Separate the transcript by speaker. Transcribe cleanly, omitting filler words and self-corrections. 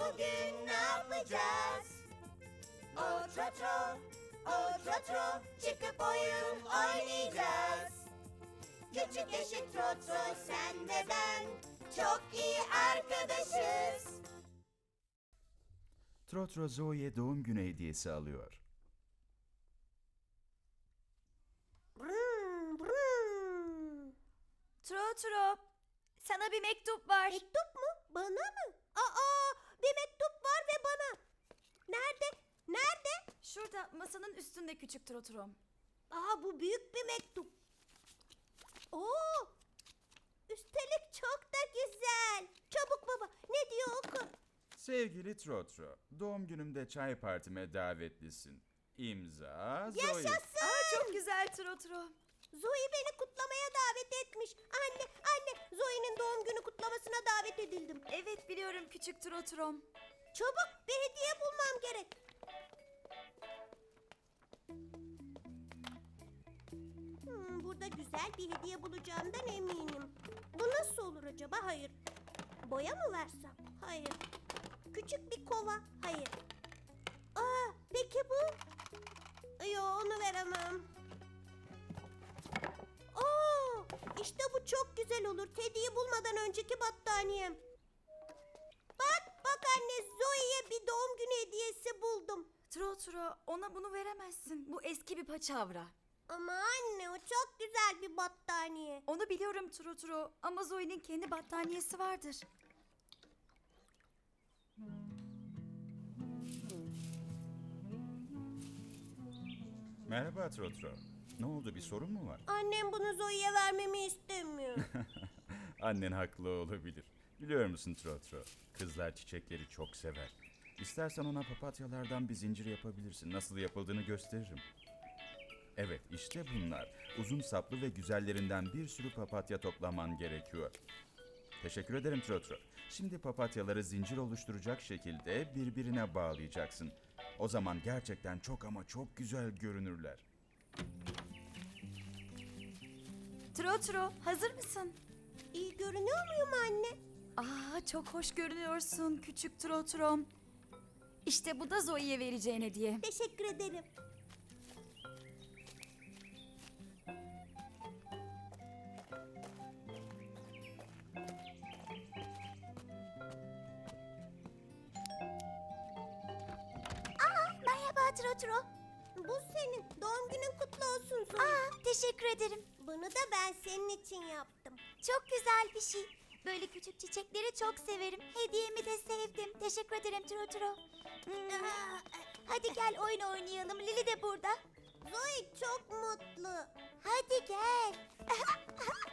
Speaker 1: Bugün ne yapacağız? O trotro, o trotro, çıkıp oyun oynayacağız. Küçük eşit trotro, sen ve ben çok iyi arkadaşız.
Speaker 2: Trotro Zoe'ye doğum günü hediyesi alıyor.
Speaker 1: Brum, brum.
Speaker 3: Trotro, sana bir mektup var.
Speaker 1: Mektup mu? Bana mı? Aa, bir mektup var ve bana. Nerede? Nerede?
Speaker 3: Şurada masanın üstünde küçük Trotrom.
Speaker 1: Aa, bu büyük bir mektup. Oo! Üstelik çok da güzel. Çabuk baba, ne diyor oku.
Speaker 2: Sevgili Trotro, doğum günümde çay partime davetlisin. İmza Zoe.
Speaker 1: Yaşasın!
Speaker 3: Çok güzel Trotro.
Speaker 1: Zoe beni kutlamaya davet etmiş. Anne, Zoe'nin doğum günü kutlamasına davet edildim.
Speaker 3: Evet biliyorum küçük Trotrom.
Speaker 1: Çabuk bir hediye bulmam gerek. Burada güzel bir hediye bulacağımdan eminim. Bu nasıl olur acaba? Hayır. Boya mı versem? Hayır. Küçük bir kova? Hayır. Aa, peki bu? Yo, onu veremem. Oo, işte bu çok güzel olur. Teddy'yi bulmadan önceki battaniyem. Bak anne, Zoe'ye bir doğum günü hediyesi buldum.
Speaker 3: Trotro, ona bunu veremezsin. Bu eski bir paçavra.
Speaker 1: Ama anne, o çok güzel bir battaniye.
Speaker 3: Onu biliyorum Trotro ama Zoe'nin kendi battaniyesi vardır.
Speaker 2: Merhaba Trotro. Ne oldu, bir sorun mu var?
Speaker 1: Annem bunu Zoe'ye vermemi istemiyor.
Speaker 2: Annen haklı olabilir. Biliyor musun Trotro? Kızlar çiçekleri çok sever. İstersen ona papatyalardan bir zincir yapabilirsin. Nasıl yapıldığını gösteririm. Evet, işte bunlar. Uzun saplı ve güzellerinden bir sürü papatya toplaman gerekiyor. Teşekkür ederim Trotro. Şimdi papatyaları zincir oluşturacak şekilde birbirine bağlayacaksın. O zaman gerçekten çok ama çok güzel görünürler.
Speaker 3: Trotro, hazır mısın?
Speaker 1: İyi görünüyor muyum anne?
Speaker 3: Çok hoş görünüyorsun küçük Trotrom. İşte bu da Zoe'ye vereceğin hediye.
Speaker 1: Teşekkür ederim.
Speaker 3: Merhaba Trotro.
Speaker 1: Bu senin. Doğum günün kutlu olsun Zoe.
Speaker 3: Teşekkür ederim.
Speaker 1: Bunu da ben senin için yaptım.
Speaker 3: Çok güzel bir şey. Böyle küçük çiçekleri çok severim. Hediyemi de sevdim. Teşekkür ederim Trotro. Hadi gel oyun oynayalım. Lili de burada.
Speaker 1: Zoe çok mutlu.
Speaker 3: Hadi gel.